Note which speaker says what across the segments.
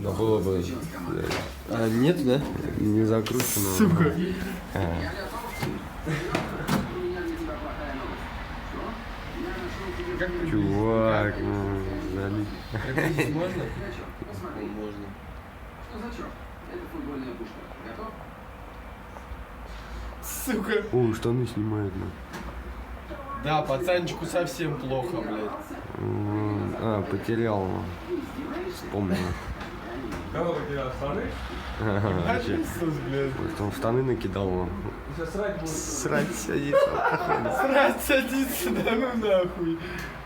Speaker 1: Да было бы.
Speaker 2: А, нет, да?
Speaker 1: Не закручено.
Speaker 2: Сука.
Speaker 1: Чувак, ну, залить.
Speaker 2: Прокрутить можно? Можно. Сука.
Speaker 1: О, штаны снимает, ну.
Speaker 2: Да, пацанчику совсем плохо, блядь.
Speaker 1: А, потерял. Вспомнил.
Speaker 3: Кого потерял? Штаны?
Speaker 1: Вообще.
Speaker 2: Иисус, блядь.
Speaker 1: Может, он штаны накидал. Он.
Speaker 3: Сейчас срать будет.
Speaker 1: Срать садится.
Speaker 2: Срать садится, да ну нахуй.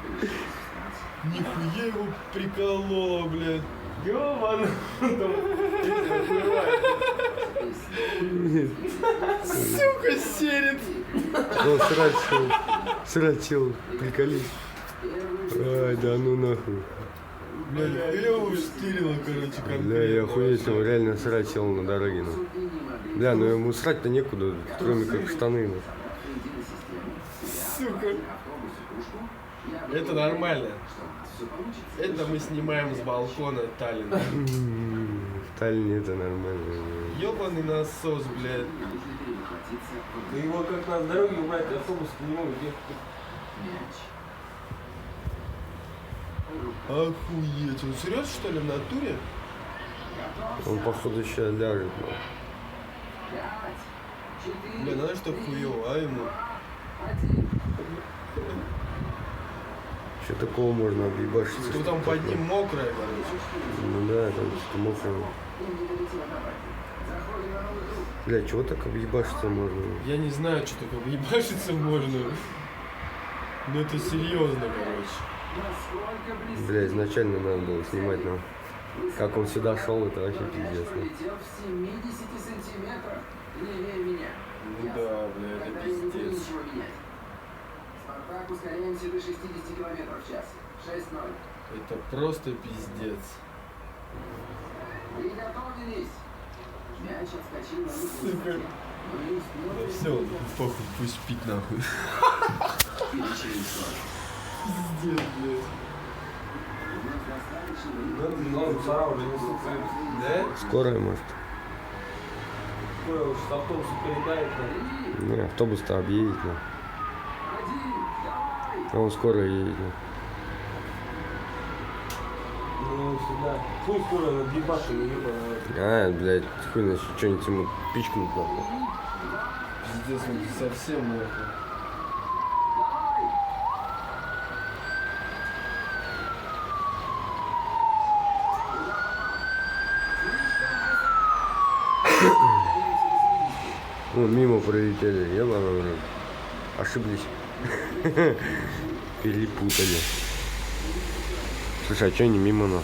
Speaker 2: Нихуя его прикололо, блядь.
Speaker 3: Ёбаный.
Speaker 2: Сука, серит.
Speaker 1: О, срать сел. Срать сел. Приколись. Ай, да ну нахуй.
Speaker 2: Бля, нихуя его штырило, короче, конкретно.
Speaker 1: Бля, я охуеть, он реально срать сел на дороге. Ну. Бля, ну ему срать-то некуда, кроме как в штаны. Ну.
Speaker 2: Сука. Это нормально. Это мы снимаем с балкона Таллина.
Speaker 1: В Таллине это нормально.
Speaker 2: Ёбаный насос, блядь.
Speaker 3: Ты его как на дороге убрать, автобус не могут ехать.
Speaker 2: Охуеть. Он серьезно, что ли, в натуре?
Speaker 1: Он, походу, сейчас ляжет. Ну.
Speaker 2: Бля, знаешь, что хуёво, а ему?
Speaker 1: Что такого можно объебашиться?
Speaker 2: Что там под ним мокрое, короче.
Speaker 1: Ну да, там что-то мокрое. Бля, чего так объебашиться можно?
Speaker 2: Я не знаю, что такое ебашиться можно. Но это серьезно, короче.
Speaker 1: Бля, изначально надо было снимать, но как он сюда шел, это вообще пиздец.
Speaker 2: Ну да, бля, это пиздец.
Speaker 4: Ускоряемся до 60 км в час. 6-0.
Speaker 2: Это просто пиздец.
Speaker 4: Приготовились. Мяч отскочил на
Speaker 2: Сука. Да все, похуй, пусть спит нахуй. Пиздец, блядь.
Speaker 3: Мусора уже несутся.
Speaker 2: Да?
Speaker 1: Скорая, может?
Speaker 3: Скоро уж с автобуса передает.
Speaker 1: Ну, автобус-то объедет, ну. А он скоро едет, ну.
Speaker 3: Ну, сюда. Хуй скоро на дебаты не ебаный.
Speaker 1: А, блядь, хуй значит, что-нибудь ему пичкнуть нахуй.
Speaker 2: Пиздец, он совсем нахуй.
Speaker 1: Ну, мимо пролетели, ебаный в рот. Ошиблись. Перепутали. Слушай, а что они мимо нас?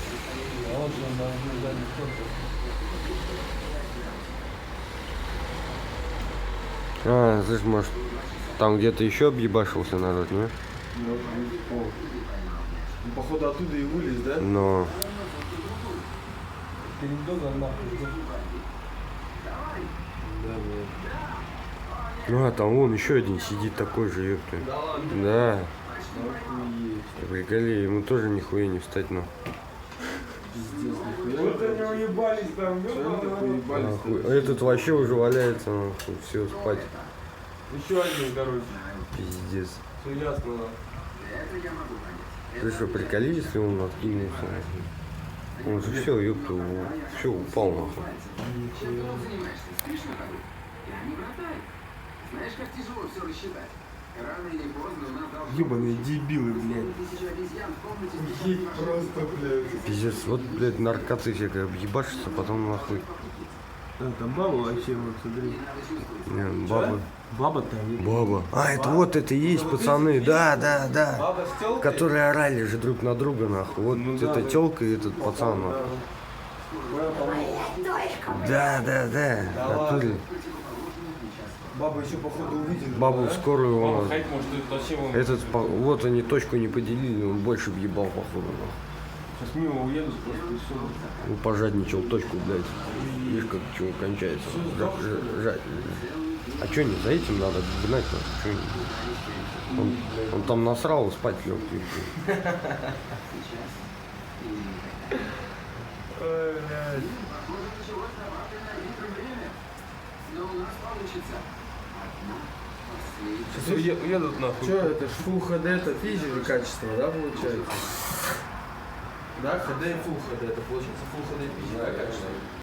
Speaker 1: А, слышь, может, там где-то еще объебашился народ, не?
Speaker 2: Ну, походу оттуда и вылез, да?
Speaker 1: Но...
Speaker 3: Перед домом нахуй.
Speaker 2: Да, блядь.
Speaker 1: Ну, а там вон еще один сидит такой же, ёпта.
Speaker 2: Да ладно.
Speaker 1: Да.
Speaker 2: Охуеть.
Speaker 1: Приколи, ему тоже нихуя не встать, но.
Speaker 2: Пиздец, нихуя.
Speaker 3: Вот они уебались там,
Speaker 2: Чем ты
Speaker 3: ёбаный.
Speaker 2: поебались?
Speaker 1: Нахуй. А этот вообще уже валяется, нахуй, все, спать.
Speaker 3: Еще один, короче.
Speaker 1: Пиздец.
Speaker 3: Все ясно, нахуй.
Speaker 1: Ты что, приколи, если он откинулся? Нахуй? Он же все, ёпта, все упал, нахуй.
Speaker 4: Знаешь, как тяжело все рассчитать? Рано или поздно у нас должно
Speaker 2: Ебаные дебилы, блядь.
Speaker 4: тысячу обезьян в комнате с
Speaker 2: Ей просто, блядь.
Speaker 1: Пиздец, вот, блядь, наркоты все как объебашатся, потом нахуй.
Speaker 3: Там баба вообще, вот смотри.
Speaker 1: Не, баба.
Speaker 3: Баба там.
Speaker 1: Баба. А, это вот это и есть, пацаны. Да, да, да.
Speaker 3: Баба с телкой?
Speaker 1: Которые орали же друг на друга, нахуй. Вот
Speaker 3: Ну да,
Speaker 1: эта
Speaker 3: да.
Speaker 1: телка и этот пацан, нахуй. Да, да, да.
Speaker 2: Да
Speaker 1: Натуре.
Speaker 2: Баба еще, походу, увидела.
Speaker 1: Бабу в скорую
Speaker 3: Баба
Speaker 1: он.
Speaker 3: ходить может, это зачем он?
Speaker 1: Этот, вот они точку не поделили, он больше въебал, походу. нахуй.
Speaker 3: Сейчас мимо уедут просто и все.
Speaker 1: Ну, пожадничал точку, блядь. Видишь, как чего кончается. А что не за этим надо гнать? Нахуй? Чё не- он там насрал, спать лег.
Speaker 2: Ой, блядь.
Speaker 4: Может, началось добавлено некоторое время, но у нас получится. Одна последняя.
Speaker 3: Сейчас уедут нахуй.
Speaker 2: Что это ж Full HD, это физика качество, да, получается? Да, HD и Full HD, это получается Full HD физика качество.